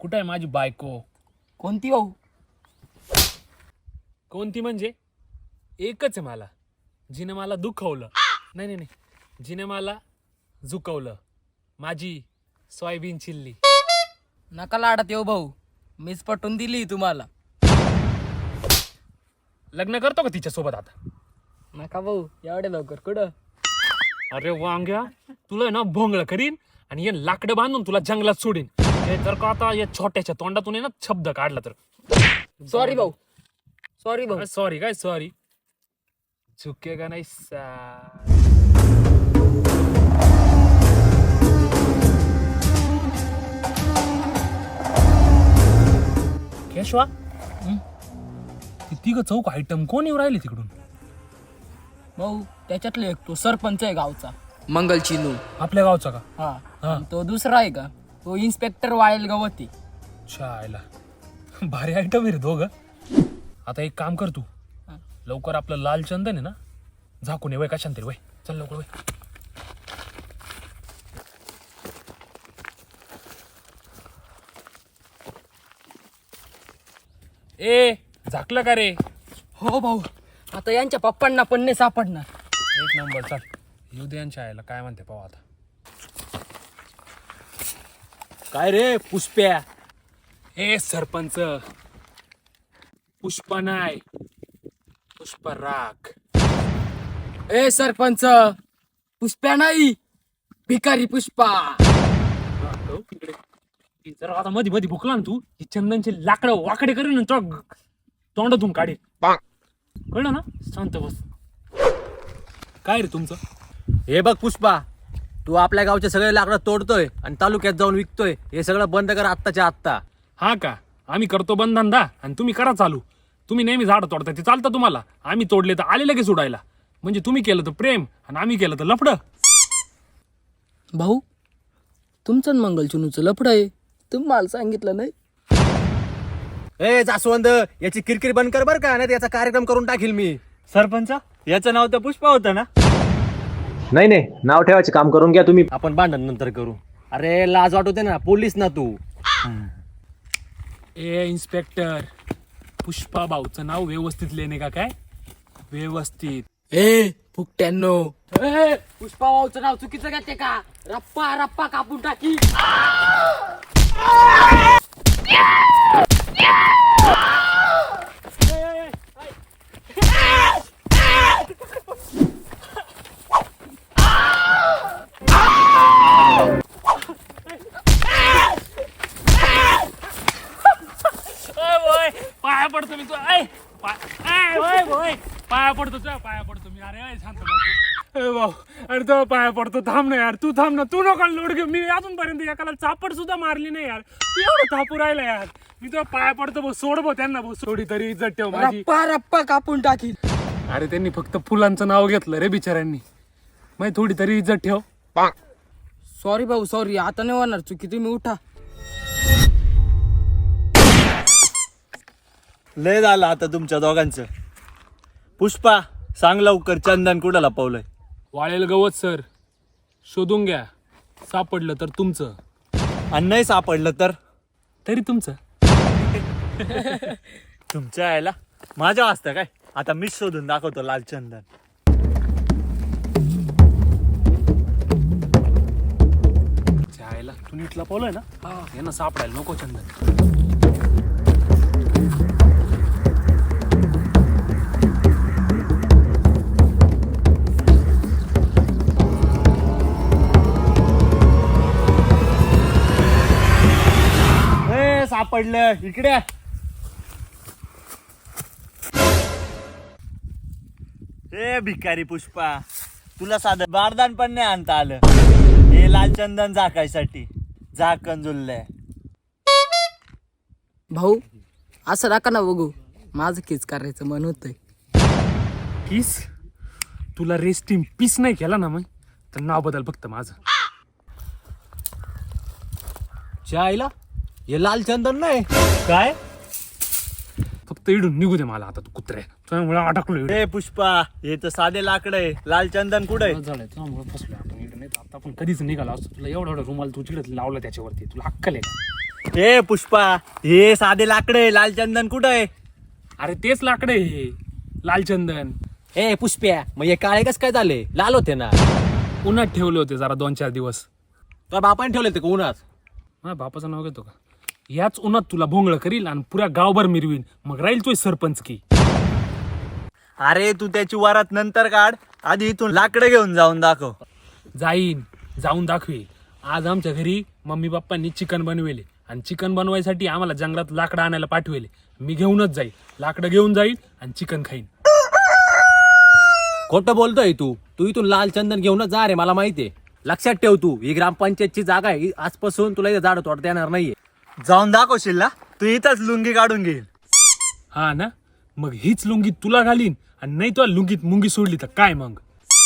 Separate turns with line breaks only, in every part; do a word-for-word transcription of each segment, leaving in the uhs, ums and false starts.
कुठे आहे माझी बायको?
कोणती भाऊ?
कोणती म्हणजे एकच आहे मला, जिने मला दुखवलं. नाही नाही नाही जिने मला झुकवलं. माझी सोयाबीन चिल्ली.
नका लाडत येऊ भाऊ, मीच पटवून दिली तुम्हाला.
लग्न करतो का तिच्या सोबत आता?
नका भाऊ, एवढे लवकर कुठं?
अरे वांग्या, तुला ना भोंगळ करीन आणि हे लाकडं बांधून तुला जंगलात सोडीन. हे जर का आता या छोट्याच्या तोंडातून ना शब्द काढला तर
सॉरी भाऊ, सॉरी भाऊ.
सॉरी काय सॉरी झुकेगा नाही सा. केशवा, ती तिघ चौक आयटम कोण येऊ राहिले तिकडून?
भाऊ त्याच्यातले एक तो सरपंच आहे गावचा, मंगल चिनू.
आपल्या गावचा का?
हा.
हा.
आणि तो दुसरा आहे का, तो इन्स्पेक्टर वाळेल गवती.
चायला भारी आयटम आहे रे दोघ. आता एक काम कर तू,
हा.
लवकर आपलं लाल चंदन आहे ना झाकून ये. वय का शांती वय, चल लवकर वय. ए झाकलं का रे?
हो भाऊ, आता यांच्या पप्पांना पण नाही सापडणार.
एक नंबर. चल येऊ दे यांच्या आईला काय म्हणते पाहू आता.
काय रे पुष्प्या?
ए सरपंच, पुष्पा नाही पुष्पराग.
ए सरपंच, पुष्प्या नाही, भिकारी पुष्पा.
हो, तिकडे ती जर आता मध्ये मध्ये भुकला ना तू, ही चंदनचे लाकडं वाकडे करीन तो तोंडातून काढे. कळलं ना? शांत बस. काय रे तुमचं?
हे बघ पुष्पा, तू आपल्या गावचे सगळे लाकडं तोडतोय आणि तालुक्यात जाऊन विकतोय. हे सगळं बंद कर आत्ताच्या आत्ता.
हा का? आम्ही करतो बंद धंदा आणि तुम्ही करा चालू. तुम्ही नेहमी झाड तोडताय ते चालतं तुम्हाला. आम्ही तोडले तर आले लगेच उडायला. म्हणजे तुम्ही केलं तर प्रेम आणि आम्ही केलं तर लफडं.
भाऊ, तुमचं आणि मंगल चिनूचं लफडं आहे, तुम्हाला सांगितलं नाही.
ए जास्वंद, याची किरकिर बंद कर बर का, नाही याचा कार्यक्रम करून टाकील मी.
सरपंच, याचं नाव तर पुष्पा होतं ना?
नाही नाही, नाव ठेवायचे काम करून घ्या तुम्ही. आपण भांडण नंतर करू. अरे लाज वाटू दे ना, पोलीस ना तू.
ए इन्स्पेक्टर, पुष्पा भाऊचं नाव व्यवस्थित लेणे का काय? व्यवस्थित.
ए फुकट्यांनो, ए पुष्पा भाऊचं नाव चुकीचं घेते का? रप्पा रप्पा कापून टाकी.
पाया पडतो मी तू. ऐ, पाय- ऐ, ओय, ओय, पाया पडतो तुझ्या, पाया पडतो मी. अरे ऐ, शांत बस. ए भाऊ, अरे तो पाया पडतो. थांब ना यार, तू थांब ना. तू नका लोड घेऊ. मी अजूनपर्यंत एकाला चापड सुद्धा मारली नाही यार. तू एवढं थापू राहिला यार. मी तो पाया पडतो भाऊ. सोड भाऊ त्यांना भाऊ. सोडी तरी इज्जत ठेव माझी.
रप्पा रप्पा कापून टाकी.
अरे त्यांनी फक्त फुलांचं नाव घेतलं रे बिचाऱ्यांनी. मग थोडी तरी इज्जत ठेव.
सॉरी भाऊ, सॉरी. आता नाही होणार चुकी, तुम्ही उठा.
लय झालं आता तुमच्या दोघांचं. पुष्पा, सांग लवकर, चंदन कुठं लपवलंय?
वाळेल गवत सर, शोधून घ्या. सापडलं तर तुमचं,
आणि नाही सापडलं तर
तरी तुमचं.
तुमच्या यायला माझ्या वाजता काय? आता मीच शोधून दाखवतो लाल चंदन.
जायला तू नीट लपवलंय ना, यांना सापडायला नको चंदन.
ए सापडलं, इकडे. ए भिकारी पुष्पा, तुला साधं बारदान पण नाही आणता आलं. हे लाल चंदन झाकायसाठी झाकण जुळलंय.
भाऊ असं नका ना बघू, माझं केस करायचं मन होतंय.
किस? तुला रेस्ट इन पीस नाही केला ना मग तर नाव बदल फक्त माझं.
आईला हे लाल चंदन नाही.
काय?
फक्त इडून निघू दे मला आता. तू कुत्रे त्यामुळे अटकलो.
ए पुष्पा, हे तर साधे लाकड आहे. लाल चंदन कुठे?
झालंय त्यामुळे फसलो आपण इकडे. नाही तर आता आपण कधीच निघाला असतो. तुला एवढा एवढा रुमाल तू चिडत लावला त्याच्यावरती. तुला अक्कल आहे का?
ए पुष्पा, हे साधे लाकडे, लाल चंदन कुठं आहे?
अरे तेच लाकडं आहे हे लालचंदन.
ए पुष्प्या, मग हे काळे कस काय झाले? लाल होते ना.
उन्हात ठेवले होते जरा दोन चार दिवस.
तर बापाने ठेवले ते का उन्हात?
हा बापाचं नाव घेतो का? याच उन्हात तुला भोंगळ करील आणि पुऱ्या गावभर मिरवीन, मग राहील तोय सरपंच की.
अरे तू त्याची वरात नंतर काढ, आधी इथून लाकडं घेऊन जाऊन दाखव.
जाईन, जाऊन दाखवी. आज आमच्या घरी मम्मी पप्पांनी चिकन बनवेले आणि चिकन बनवायसाठी आम्हाला जंगलात लाकडं आणायला पाठवेले. मी घेऊनच जाईल, लाकडं घेऊन जाईल आणि चिकन खाईन.
खोटं बोलतोय तू. तू इथून लाल चंदन घेऊनच जा रे, मला माहितीये. लक्षात ठेव, तू ही ग्रामपंचायतची जागा आहे. आजपासून तुला इथे झाड तोडता येणार नाहीये.
जाऊन दाखवशील ना? तू इथंच लुंगी काढून घेईल.
हा ना, मग हीच लुंगी तुला घालीन आणि नाही तुला लुंगीत मुंगी सोडली तर काय मग?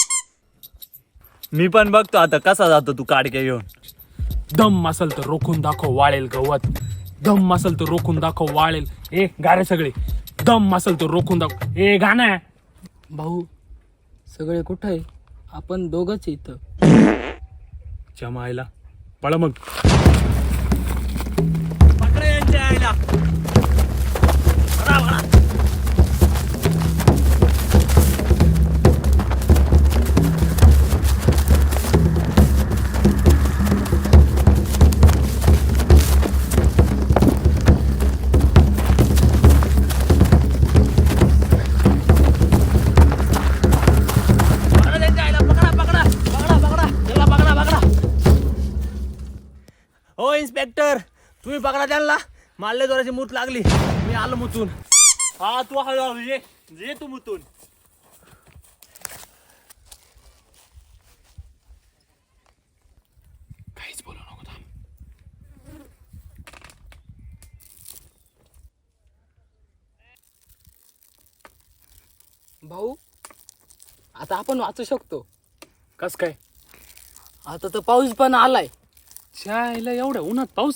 मी पण बघतो आता कसा जातो तू काडके घेऊन.
दम असल तर रोखून दाखव वाळेल गवत. दम असल तर रोखून दाखव वाळेल. ए गारे सगळे, दम असल तर रोखून दाखव. ए गाणं
भाऊ सगळे कुठं आहे? आपण दोघंच इथं.
जमायला पळ मग.
पकडा यांच्या आईला. पकडा, पकडा.
हो इन्स्पेक्टर, तुम्ही पकडा त्यांना. मारले जोराची मूत लागली, मी आलो मुतून.
हा तू हळूहळू ये, ये तू मुतून.
काहीच बोलू नको थांब.
भाऊ आता आपण वाचू शकतो.
कस काय?
आता तर पाऊस पण आलाय.
शाळेला एवढ्या उन्हात पाऊस?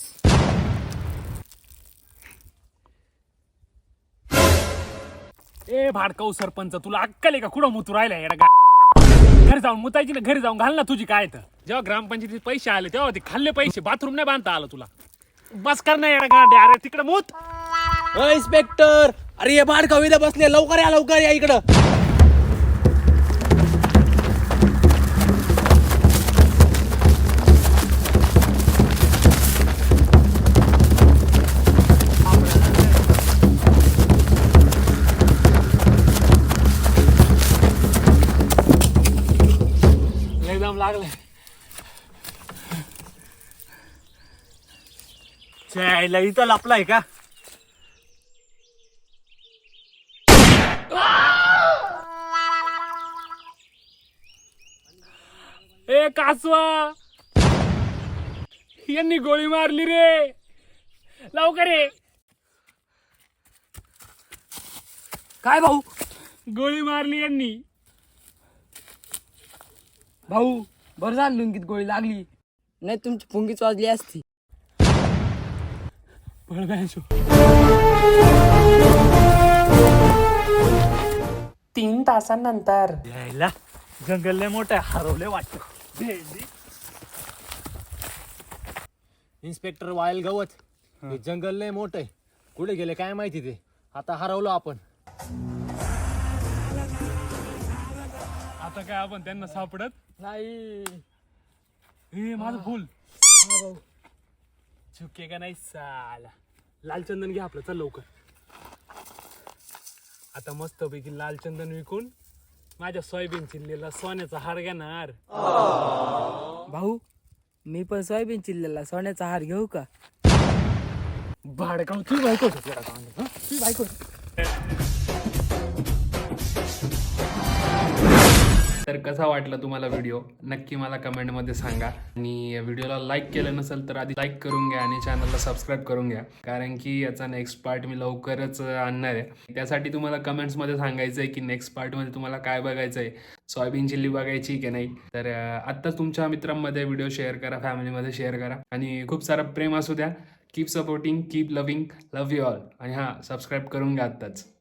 ए भाडकाऊ सरपंच, तुला अक्कल आहे का? कुठं मुतू राहिला येडा? घरी जाऊन मुतायची ना, घरी जाऊन घाल ना तुझी. काय तर जेव्हा ग्रामपंचायतीत पैसे आले तेव्हा ते खाल्ले पैसे, बाथरूम नाही बांधता आलं तुला. बस कर ना येडा गांडे. अरे तिकडे मूत.
हो इन्स्पेक्टर, अरे हे बाड कविता बसले, लवकर या, लवकर या इकडं.
एकदम लागले.
आईला इथं लपलाय का?
ए कासवा, यांनी गोळी मारली रे. लवकर ये.
काय भाऊ?
गोळी मारली यांनी.
भाऊ बरं झालं लुंगीत गोळी लागली, नाही तुमची फुंगीच वाजली असती.
पळ बॅंचो. तीन तासांनंतर
यायला जंगल लय मोठं आहे, हरवले वाटतं. भेंडी.
इन्स्पेक्टर वायल गवत, हे जंगल लय मोठं आहे. कुठे गेले काय माहिती ते. आता हरवलो आपण.
आता काय आपण त्यांना सापडत
नाही.
हे माझं फुल
हा भाऊ.
चुके का नाही साला. लालचंदन घ्या आपलं, चल लवकर. आता मस्त पैकी लालचंदन विकून माझ्या सोयाबीन चिल्लीला सोन्याचा हार घेणार.
भाऊ मी पण सोयाबीन चिल्ल्याला सोन्याचा हार घेऊ का?
भाडकाव तू बायको तू बायको. तर कसा वाटला तुम्हाला व्हिडिओ नक्की मला कमेंटमध्ये सांगा. आणि व्हिडिओला लाईक केलं नसेल तर आधी लाईक करून घ्या आणि चॅनलला सबस्क्राईब करून घ्या, कारण की याचा नेक्स्ट पार्ट मी लवकरच आणणार आहे. त्यासाठी तुम्हाला कमेंट्समध्ये सांगायचं आहे की नेक्स्ट पार्टमध्ये तुम्हाला काय बघायचं आहे, सोयाबीन चिल्ली बघायची की नाही. तर आत्ताच तुमच्या मित्रांमध्ये व्हिडिओ शेअर करा, फॅमिलीमध्ये शेअर करा आणि खूप सारं प्रेम असू द्या. Keep supporting, keep loving, love you all. आणि हां, सबस्क्राईब करून घ्या आत्ताच.